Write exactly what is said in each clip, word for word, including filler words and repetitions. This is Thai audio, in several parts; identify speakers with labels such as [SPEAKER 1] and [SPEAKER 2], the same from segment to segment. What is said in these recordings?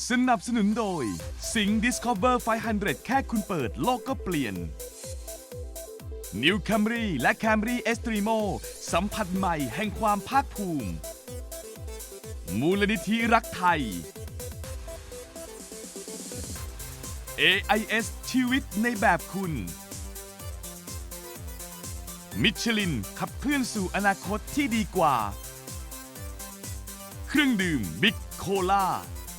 [SPEAKER 1] สนับสนุนโดย Sing Discover ไฟว์ฮันเดรด แค่คุณเปิดโลกก็เปลี่ยน New Camry และ Camry Extremo สัมผัสใหม่แห่งความภาคภูมิ มูลนิธิรักไทย เอ ไอ เอส ชีวิตในแบบคุณ มิชลินขับเคลื่อนสู่อนาคตที่ดีกว่า เครื่องดื่มบิ๊กโคลา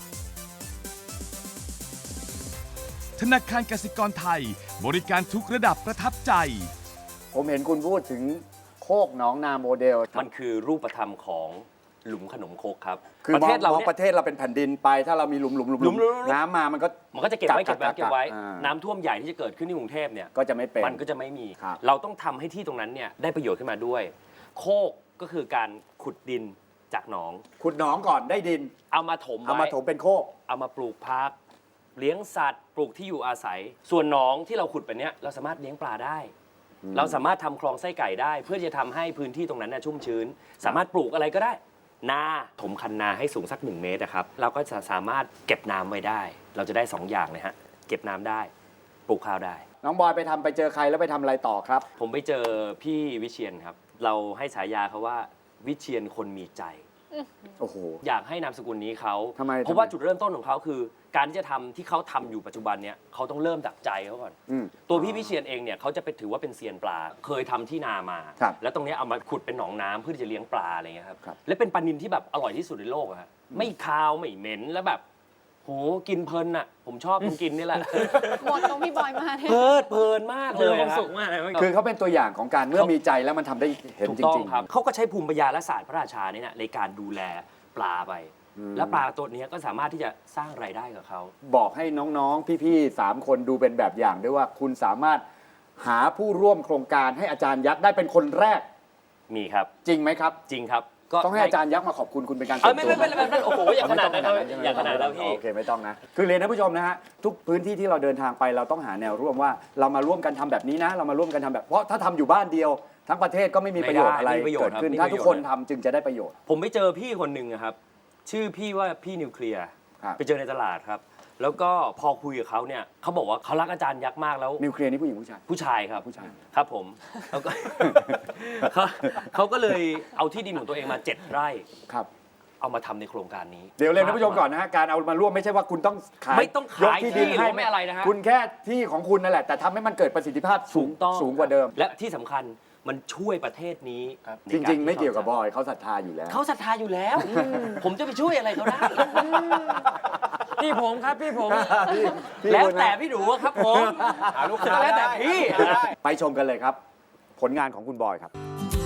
[SPEAKER 1] ธนาคารกสิกรไทยบริการทุกระดับประทับใจ
[SPEAKER 2] ผมเห็นคุณพูดถึงโคกหนองนาโมเดล
[SPEAKER 3] มันคือรูปธรรมของหลุมขนมครกครับ
[SPEAKER 2] คือ
[SPEAKER 3] ประเทศเรา
[SPEAKER 2] มอง
[SPEAKER 3] เนี่ย
[SPEAKER 2] ประเทศเราเป็นแผ่นดินไป ถ้าเรามีหลุมหลุมหลุม
[SPEAKER 3] หลุมหลุมหลุม
[SPEAKER 2] น้ำมามันก็
[SPEAKER 3] มันก็จะเก็บไว้เก็บไว้เก็บไว้
[SPEAKER 2] อ่า
[SPEAKER 3] น้ำท่วมใหญ่ที่จะเกิดขึ้นที่กรุงเทพเนี่ย
[SPEAKER 2] ก็จะไม่เป็น
[SPEAKER 3] มันก็จะไม่มี
[SPEAKER 2] ครับ
[SPEAKER 3] เราต้องทำให้ที่ตรงนั้นเนี่ยได้ประโยชน์ขึ้นมาด้วย โคกก็คือการขุดดินจากหนอง
[SPEAKER 2] ขุดหนองก่อนได้ดิน
[SPEAKER 3] เอามาถม
[SPEAKER 2] เอา
[SPEAKER 3] ไว้
[SPEAKER 2] มาถมเป็นโคก
[SPEAKER 3] เอามาปลูกพัก เลี้ยงสัตว์ ปลูกที่อยู่อาศัย ส่วนหนองที่เราขุดไปเนี้ยเราสามารถเลี้ยงปลาได้ เราสามารถทำคลองไส้ไก่ได้ เพื่อจะทำให้พื้นที่ตรงนั้นน่ะชุ่มชื้น สามารถปลูกอะไรก็ได้ นาถมคันนาให้สูงสักหนึ่งเมตรนะครับเราก็จะสามารถเก็บน้ำไว้ได้ เราจะได้สองอย่างเลยฮะเก็บน้ำได้ปลูกข้าวได้
[SPEAKER 2] น้องบอยไปทำไปเจอใครแล้วไปทำอะไรต่อครับ
[SPEAKER 3] ผมไปเจอพี่วิเชียนครับ เราให้ฉายาเขาว่าวิเชียนคนมีใจ
[SPEAKER 2] โอ้โห
[SPEAKER 3] อยากให้นามสกุลนี้เขา
[SPEAKER 2] ทำไม
[SPEAKER 3] เพราะว่า
[SPEAKER 2] ทำไม
[SPEAKER 3] จุดเริ่มต้นของเขาคือ การที่จะทำที่เขาทำอยู่ปัจจุบันเนี่ยเขาต้องเริ่มจากใจเขาก่อน
[SPEAKER 2] อืม
[SPEAKER 3] ตัวพี่วิเชียนเองเนี่ยเขาจะเป็นถือว่าเป็นเซียนปลา เคยทำที่นามา
[SPEAKER 2] ครับ
[SPEAKER 3] แล้วตรงเนี้ยเอามาขุดเป็นหนองน้ำเพื่อที่จะเลี้ยงปลาอะไรเงี้ยครับ
[SPEAKER 2] ครับ
[SPEAKER 3] และเป็นปลานิลที่แบบอร่อยที่สุดในโลกอะฮะไม่คาวไม่เหม็นแล้วแบบโหกินเพลินอะผมชอบตรงกินนี่แหละ
[SPEAKER 4] หมดตรงพี่บอยมาเนี่ย
[SPEAKER 3] เพลิดเพลินมากเลย
[SPEAKER 5] ความ
[SPEAKER 3] อะ
[SPEAKER 5] สุขมากเลย
[SPEAKER 2] คือเขาเป็นตัวอย่างของการเมื่อมีใจแล้วมันทำได้เห็น
[SPEAKER 3] ถูก
[SPEAKER 2] จ
[SPEAKER 3] ต้อง
[SPEAKER 2] ริง
[SPEAKER 3] ครับเขาก็ใช้ภูมิปัญญาและศาสตร์พระราชานี่นะในการดูแลปลาไป
[SPEAKER 2] อืม
[SPEAKER 3] และปลาตัวนี้ก็สามารถที่จะสร้างรายได้กับเขา
[SPEAKER 2] ๆ บอกให้น้องๆ พี่ๆสามคนดูเป็นแบบอย่างด้วยว่าคุณสามารถหาผู้ร่วมโครงการให้อาจารย์ยักษ์ได้เป็นคนแรก
[SPEAKER 3] มีครับ
[SPEAKER 2] จริงไหมครับ
[SPEAKER 3] จริงครับก็
[SPEAKER 2] ต้องให้อาจารย์ยักษ์มาขอบคุณคุณเป็นการ
[SPEAKER 3] เออไม่ไม่ไม่ไม่ไม่โอ้โหอย่างขนาดนั้นครับ
[SPEAKER 2] ใช่ไหม
[SPEAKER 3] อย่างขนาดนั้นพี่
[SPEAKER 2] โอเคไม่ต้องนะ คือเรียนท่านผู้ชมนะฮะทุกพื้นที่ที่เราเดินทางไปเราต้องหาแนวร่วมว่าเรามาร่วมกันทำแบบนี้นะ เรามาร่วมกันทำแบบเพราะถ้าทำอยู่บ้านเดียว ทั้งประเทศก็ไม่มีประโยชน์อะไร
[SPEAKER 3] ไม่ได้ไม่มีประโยชน์
[SPEAKER 2] เกิดขึ้น
[SPEAKER 3] ครับ
[SPEAKER 2] ถ้า
[SPEAKER 3] ไม่มี
[SPEAKER 2] ทุก
[SPEAKER 3] ประโยชน์
[SPEAKER 2] คนทำจึงจะได้ประโยชน์
[SPEAKER 3] ผมไปเจอพี่คนหนึ่งอะครับ ชื่อพี่ว่าพี่นิวเคลียร์
[SPEAKER 2] ครับ
[SPEAKER 3] ไปเจอในตลาดครับ แล้วก็พอคุยกับเขาเนี่ยเขาบอกว่าเขารักอาจารย์ยักษ์มากแล้ว
[SPEAKER 2] นิวเคลียร์นี่ผู้หญิงผู้ชาย
[SPEAKER 3] ผู้ชายครับ
[SPEAKER 2] ผู้ชาย
[SPEAKER 3] ครับผมแล้วก็ เขาเขาก็เลยเอาที่ดินของตัวเองมาเจ็ดไร่
[SPEAKER 2] ครับ
[SPEAKER 3] เอามาทำในโครงการนี้
[SPEAKER 2] เดี๋ยวเรียนท่านผู้ชมก่อนนะฮะการเอามาร่วมไม่ใช่ว่าคุณต้องขาย
[SPEAKER 3] ไม่ต้องขาย
[SPEAKER 2] ก
[SPEAKER 3] ที่
[SPEAKER 2] ดิน
[SPEAKER 3] หรือไม่อะไรนะฮะ
[SPEAKER 2] คุณแค่ที่ของคุณนั่นแหละ แต่ทำให้มันเกิดประสิทธิภาพสูง
[SPEAKER 3] ถูกต้อง
[SPEAKER 2] สูงกว่าเดิม
[SPEAKER 3] และที่สำคัญมันช่วยประเทศนี้ใน
[SPEAKER 2] จ
[SPEAKER 3] กา
[SPEAKER 2] ริง ๆ ไม่เกี่ยวกับบ
[SPEAKER 3] ที่
[SPEAKER 2] อยเขาศรัทธาอยู่แล้ว
[SPEAKER 3] เขาศรัทธาอยู่แล้ว ผมจะไปช่วยอะไรเขาได้
[SPEAKER 5] พี่ผมครับพี่ผม
[SPEAKER 2] พี่พี่
[SPEAKER 3] แล้ว
[SPEAKER 2] คุณนะ
[SPEAKER 3] แต่พี่ดูครับผม
[SPEAKER 5] หาลูกค้า
[SPEAKER 3] แล้วแต่
[SPEAKER 5] ได้
[SPEAKER 3] พี่
[SPEAKER 2] ไปชมกันเลยครับ ผลงานของคุณบอยครับ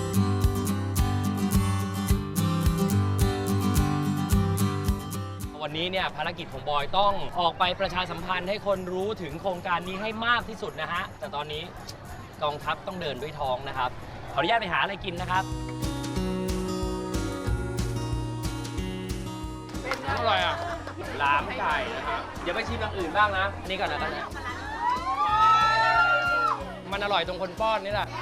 [SPEAKER 5] วันนี้เนี่ยภารกิจของบอยต้องออกไปประชาสัมพันธ์ให้คนรู้ถึงโครงการนี้ให้มากที่สุดนะฮะ แต่ตอนนี้กองทัพต้องเดินด้วยท้องนะครับ ขออนุญาตไปหาอะไรกินนะครับอร่อยอ่ะลามไก่นะครับเดี๋ยวไปชิมอย่างอื่นบ้างนะ นี่ก่อนนะตอนนี้มันอร่อยตรงคนป้อนนี่แหละ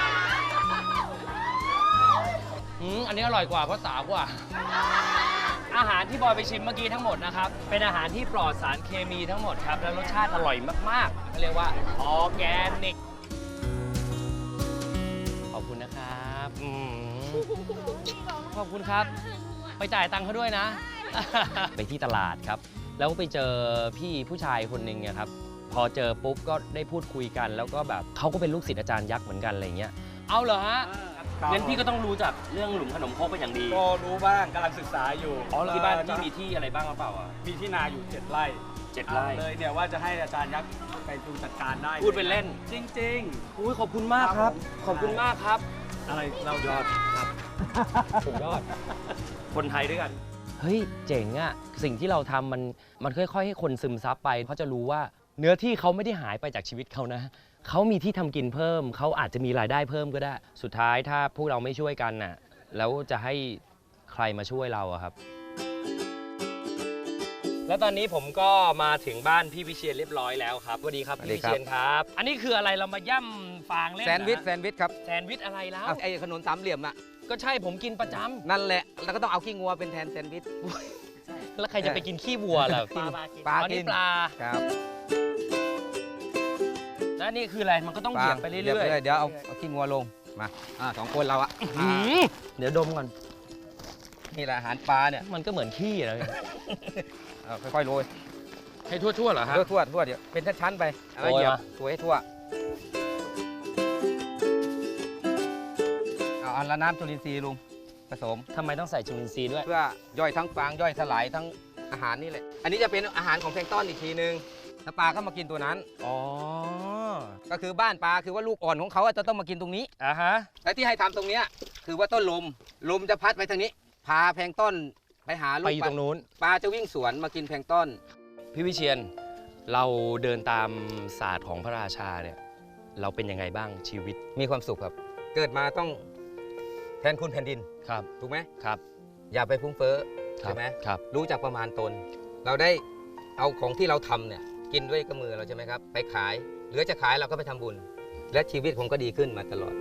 [SPEAKER 5] อืมอันนี้อร่อยกว่าเพราะสาวกว่า อาหารที่บอยไปชิมเมื่อกี้ทั้งหมดนะครับ เป็นอาหารที่ปลอดสารเคมีทั้งหมดครับ และรสชาติอร่อยมากๆเขาเรียกว่าออร์แกนิก ขอบคุณนะครับอืมขอบคุณครับ ไปจ่ายตังค์เขาด้วยนะ ไปที่ตลาดครับ แล้วไปเจอพี่ผู้ชายคนหนึ่งอะครับ พอเจอปุ๊บก็ได้พูดคุยกัน แล้วก็แบบเขาก็เป็นลูกศิษย์อาจารย์ยักษ์เหมือนกันอะไรอย่างเงี้ย เอาเหรอฮะงั้นพี่ก็ต้องรู้จักเรื่องหลุมขนมครกเป็นอย่างดี
[SPEAKER 6] ก็รู้บ้างกำลังศึกษาอยู่
[SPEAKER 3] อ๋อที่บ้านพี่มีที่อะไรบ้างหรือเปล่าอ่ะ
[SPEAKER 6] มีที่นาอยู่เจ็ดไร่
[SPEAKER 3] เจ็ดไร่
[SPEAKER 6] เลยเนี่ยว่าจะให้อาจารย์ยักษ์ไปดูจัดการได้
[SPEAKER 3] พูดเป็นเล่น
[SPEAKER 6] จริง
[SPEAKER 3] อุ้ยขอบคุณมากครับ ขอบคุณมากครับ
[SPEAKER 6] ๆ อะไรเรายอดครับ
[SPEAKER 3] สุดยอด คนไทยด้วยกัน เฮ้ย เจ๋งอะสิ่งที่เราทำมันมันค่อยๆ ให้คนซึมซับไปเขาจะรู้ว่าเนื้อที่เขาไม่ได้หายไปจากชีวิตเขานะ เขามีที่ทำกินเพิ่ม เขาอาจจะมีรายได้เพิ่มก็ได้ สุดท้ายถ้าพวกเราไม่ช่วยกันน่ะ แล้วจะให้ใครมาช่วยเราอะครับ แล้วตอนนี้ผมก็มาถึงบ้านพี่วิเชียรเรียบร้อยแล้วครับสวัสดีครับพี่วิเชียรครับ อันนี้คืออะไรเรามาย่ำฟางเล่น
[SPEAKER 7] แซนด์วิช
[SPEAKER 3] เหรอ
[SPEAKER 7] แซนด์วิชครับ
[SPEAKER 3] แซนด์วิชอะไรแล้ว
[SPEAKER 7] เอาไอ้ขนมสามเหลี่ยมอ่ะ
[SPEAKER 3] ก็ใช่ผมกินประจำ
[SPEAKER 7] นั่นแหละ แล้วก็ต้องเอาขี้งัวเป็นแทนแซนด์วิช
[SPEAKER 5] แล้วใครจะไปกินขี้วัวล่ะ
[SPEAKER 7] ปลา
[SPEAKER 5] ปลากินปลา
[SPEAKER 7] ครับ
[SPEAKER 5] แล้วนี่คืออะไรมันก็ต้องเหยียบไปเรื่อย
[SPEAKER 7] เดี๋ยวเอาเอาขี้งัวลงมาอ่าสองคนเราอะ
[SPEAKER 5] ๆหืมเดี๋ยวดมก่อน
[SPEAKER 7] นี่แหละอาหารปลาเนี่ย
[SPEAKER 5] มันก็เหมือนขี้นะ
[SPEAKER 7] เอาค่อยๆโรย
[SPEAKER 5] ให้ทั่วๆเหรอฮะ
[SPEAKER 7] ทั่วทั่วทั่วเดี๋ยวเป็นชั้นๆไปแล้ว
[SPEAKER 5] โรย
[SPEAKER 7] เหยียบ
[SPEAKER 5] มา
[SPEAKER 7] ตัวให้ทั่วเอาอันละน้ำจุลินทรีย์ลุงผสม
[SPEAKER 5] ทำไมต้องใส่จุลินทรีย์ด้วย
[SPEAKER 7] เพื่อย่อยทั้งฟางย่อยสลายทั้งอาหารนี่แหละ อันนี้จะเป็นอาหารของแพลงก์ต้นอีกทีนึงแล้วปลาก็มากินตัวนั้น
[SPEAKER 5] อ๋อ
[SPEAKER 7] ก็คือบ้านปลาคือว่าลูกอ่อนของเขาอะจะต้องมากินตรงนี้
[SPEAKER 5] อ่ะฮะ
[SPEAKER 7] และที่ให้ทำตรงเนี้ยคือว่าต้นลม ลมจะพัดไปทางนี้ พาแพลงก์ต้นไปหาลู
[SPEAKER 5] ไป
[SPEAKER 7] ก
[SPEAKER 5] อยู่
[SPEAKER 7] ป
[SPEAKER 5] ต
[SPEAKER 7] ลา
[SPEAKER 5] รงนู้น
[SPEAKER 7] ปลาจะวิ่งสวนมากินแพลงก์ต้น
[SPEAKER 5] พี่วิเชียนเราเดินตามศาสตร์ของพระราชาเนี่ยเราเป็นยังไงบ้างชีวิต
[SPEAKER 7] มีความสุขครับ เกิดมาต้องแทนคุณแผ่นดิน
[SPEAKER 5] ครับ
[SPEAKER 7] ถูกไหม
[SPEAKER 5] ครับ
[SPEAKER 7] อย่าไปฟุ้งเฟ้อ
[SPEAKER 5] ครั
[SPEAKER 7] ใช่ไหม
[SPEAKER 5] ครับ
[SPEAKER 7] รู้จักประมาณตน เราได้เอาของที่เราทำเนี่ยกินด้วยกับมือเราใช่ไหมครับ ไปขายเหลือจะขายเราก็ไปทำบุญ และชีวิตผมก็ดีขึ้นมาตลอด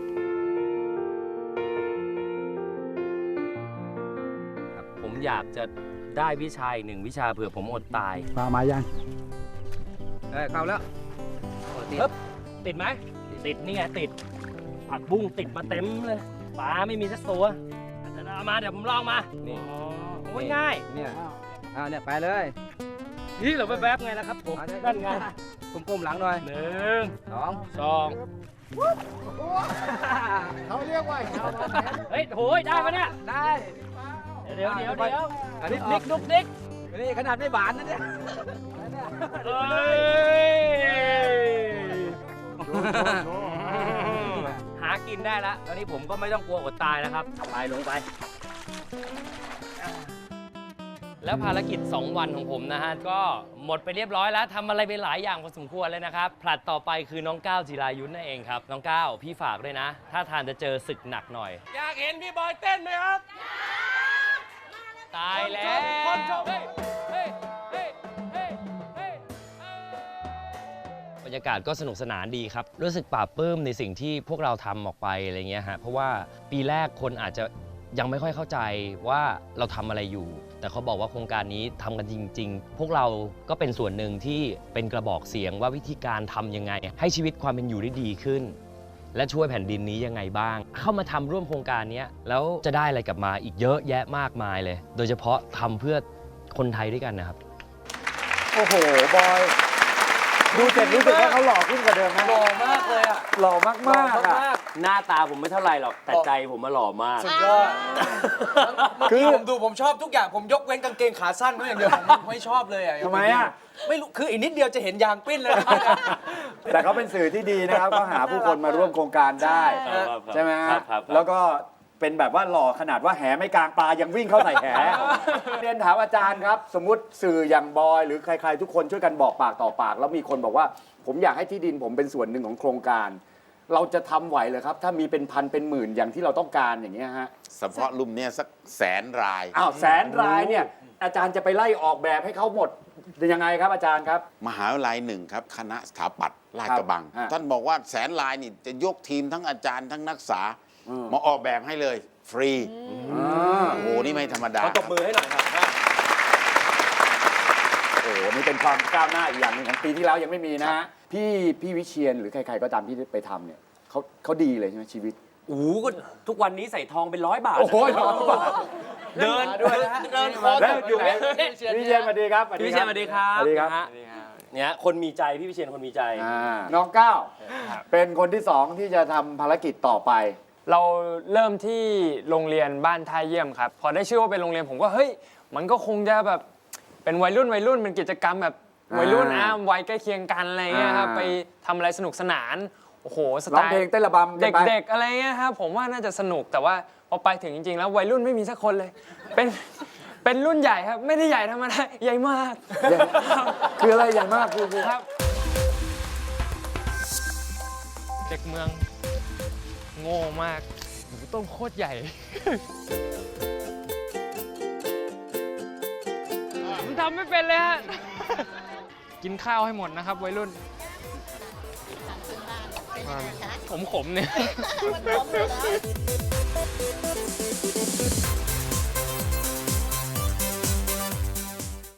[SPEAKER 3] ผมอยากจะได้วิชาอีกหนึ่งวิชาเผื่อผมอดตาย
[SPEAKER 6] ปลามายัง
[SPEAKER 7] เออเข้าแล้ว
[SPEAKER 3] ปึ๊บ ติดไหมติดนี่ไงติดผักบุ้งติดมาเต็มเลยปลาไม่มีสักตัวเอามาเดี๋ยวผมลองมา
[SPEAKER 7] นี่
[SPEAKER 3] โอ้ยง่าย
[SPEAKER 7] เนี่ยอ่าเนี่ยไปเลย
[SPEAKER 3] นี่เราแวบๆไงนะครับผม
[SPEAKER 7] เอาได้
[SPEAKER 3] นั่นไง
[SPEAKER 7] ก้มๆหลังหน่อย
[SPEAKER 3] หนึ่ง
[SPEAKER 7] สอง
[SPEAKER 3] สอง
[SPEAKER 6] เขาเรียกว่าชาวบ้าน
[SPEAKER 3] เฮ้ยโหยได้ปะเนี่ย
[SPEAKER 7] ได้
[SPEAKER 3] เดี๋ยวเดี๋ยวเดี๋ยว
[SPEAKER 7] อัน
[SPEAKER 3] ดุ
[SPEAKER 7] นี้
[SPEAKER 3] กดิกดุกดิก
[SPEAKER 7] อันนี้ขนาดไม่บานนะเนี่ย
[SPEAKER 3] เฮ้ยหากินได้แล้วตอนนี้ผมก็ไม่ต้องกลัวอดตายแล้วครับไปลงไป
[SPEAKER 5] แล้วภารกิจ สอง วันของผมนะฮะ ก็หมดไปเรียบร้อยแล้วทำอะไรไปหลายอย่างพอสมควรเลยนะครับ ผลัดต่อไปคือน้องก้าวจิรายุทธนั่นเองครับ น้องก้าวพี่ฝากด้วยนะ ถ้าทานจะเจอศึกหนักหน่อย
[SPEAKER 3] อยากเห็นพี่บอยเต้นไหมครับ
[SPEAKER 5] ตายแล้ว
[SPEAKER 3] คนชมเฮ้ยเฮ้ยเฮ้ยเฮ้ยเฮ้ย
[SPEAKER 5] บรรยากาศก็สนุกสนานดีครับ รู้สึกปลาบปลื้มในสิ่งที่พวกเราทำออกไปอะไรเงี้ยฮะ เพราะว่าปีแรกคนอาจจะยังไม่ค่อยเข้าใจว่าเราทำอะไรอยู่ แต่เขาบอกว่าโครงการนี้ทำกันจริง ๆ พวกเราก็เป็นส่วนหนึ่งที่เป็นกระบอกเสียงว่าวิธีการทำยังไง ให้ชีวิตความเป็นอยู่ได้ดีขึ้น และช่วยแผ่นดินนี้ยังไงบ้าง เข้ามาทำร่วมโครงการนี้แล้วจะได้อะไรกลับมาอีกเยอะแยะมากมายเลย โดยเฉพาะทำเพื่อคนไทยด้วยกันนะครับ
[SPEAKER 2] โอ้โห บอย ดูเสร็จรู้สึกว่าเขาหล่อขึ้นกว่าเดิมนะ
[SPEAKER 3] หล่อมากเลยอ่ะ
[SPEAKER 2] หล่อมากมากๆอ่ะ
[SPEAKER 3] หน้าตาผมไม่เท่าไหร่หรอก แต่ใจผมมาหล่อมาก
[SPEAKER 6] สุดยอดเมื่อกี้ผมดูผมชอบทุกอย่างผมยกเว้นกางเกงขาสั้นไว้อย่างเดียวผมไม่ชอบเลยอ่ะ
[SPEAKER 2] ทำไมอ่ะ
[SPEAKER 6] ไม่รู้คืออีกนิดเดียวจะเห็นยางปิ้นเลยนะ
[SPEAKER 2] แต่เขาเป็นสื่อที่ดีนะครับ ก็หาผู้คนมาร่วมโครงการได้
[SPEAKER 3] ครับ
[SPEAKER 2] ใช่ไหม
[SPEAKER 3] ครั
[SPEAKER 2] ฮะ
[SPEAKER 3] บครับ
[SPEAKER 2] แล้วก็เป็นแบบว่าหล่อขนาดว่าแหไม่กลางปลายังวิ่งเข้าใส่แห เรียนถามอาจารย์ครับ สมมุติสื่ออย่างบอย หรือใครๆทุกคนช่วยกันบอกปากต่อปาก แล้วมีคนบอกว่า ผมอยากให้ที่ดินผมเป็นส่วนหนึ่งของโครงการ เราจะทำไหวเหรอครับ ถ้ามีเป็นพันเป็นหมื่นอย่างที่เราต้องการอย่างเงี้ยฮะ
[SPEAKER 8] เฉพาะลุ่มเนี้ยสักแสนราย
[SPEAKER 2] อ้าวแสนรายเนี่ยอาจารย์จะไปไล่ออกแบบให้เขาหมดยังไงครับอาจารย์ครับ
[SPEAKER 8] มหาวิทยาลัยหนึ่งครับ คณะสถาปัตย์ลาดกระบัง
[SPEAKER 2] ครับ
[SPEAKER 8] ท่านบอกว่าแสนรายนี่จะยกทีมทั้งอาจารย์ทั้งนักศึกษา
[SPEAKER 2] อืม
[SPEAKER 8] มาออกแบบให้เลย ฟรี
[SPEAKER 2] อ่า
[SPEAKER 8] โอ้โห นี่ไม่ธรรมดา
[SPEAKER 3] ขอตบมือให้หน่อยครับ
[SPEAKER 2] โอ้โหนี่เป็นความก้าวหน้าอีกอย่างหนึ่งของปีที่แล้วยังไม่มีนะฮะพี่พี่วิเชียนหรือใครๆก็ตามที่ไปทำเนี่ยเขาเขาดีเลยใช่ไหมชีวิต
[SPEAKER 3] โอ้โหก็ทุกวันนี้ใส่ทองเป็นร้อยบาท
[SPEAKER 2] โอ้โห
[SPEAKER 3] เดิน
[SPEAKER 2] ด้วยนะฮะ
[SPEAKER 3] เดินคอ
[SPEAKER 2] แล้ว
[SPEAKER 3] อยู่เนี่ย
[SPEAKER 2] พี่วิเชียนสวัสดีครับ
[SPEAKER 3] พี่วิเชียนสวัสดีครับ
[SPEAKER 2] สวัสดีครับ
[SPEAKER 3] นะฮะเนี่ยคนมีใจพี่วิเชียนคนมีใจ
[SPEAKER 2] อ่าน้องก้าวเป็นคนที่สองที่จะทำภารกิจต่อไป
[SPEAKER 9] เราเริ่มที่โรงเรียนบ้านท่าเยี่ยมครับ พอได้ชื่อว่าเป็นโรงเรียนผมก็เฮ้ยมันก็คงจะแบบเป็นวัยรุ่นวัยรุ่นเป็นกิจกรรมแบบวัยรุ่น
[SPEAKER 2] อ่า
[SPEAKER 9] อ่ะวัยใกล้เคียงกันอะไรเงี้ยครับ
[SPEAKER 2] อ่า
[SPEAKER 9] ไปทำอะไรสนุกสนานโอ้โหส
[SPEAKER 2] ร้
[SPEAKER 9] ไต
[SPEAKER 2] อง
[SPEAKER 9] ล์
[SPEAKER 2] เพลงเต้นระบำกันไป
[SPEAKER 9] เด็กๆอะไรเงี้ยครับผมว่าน่าจะสนุกแต่ว่าพอไปถึงจริงๆ แล้ววัยรุ่นไม่มีสักคนเลย เป็นเป็นรุ่นใหญ่ครับไม่ได้ใหญ่ธรรมดาใหญ่มาก
[SPEAKER 2] คืออะไรอย่างมากคือคือ
[SPEAKER 9] ครับเด็กเมืองโง่มากหนูต้มโคตรใหญ่ ผมทำไม่เป็นเลยฮะ กินข้าวให้หมดนะครับวัยรุ่น ผมขมเนี่ย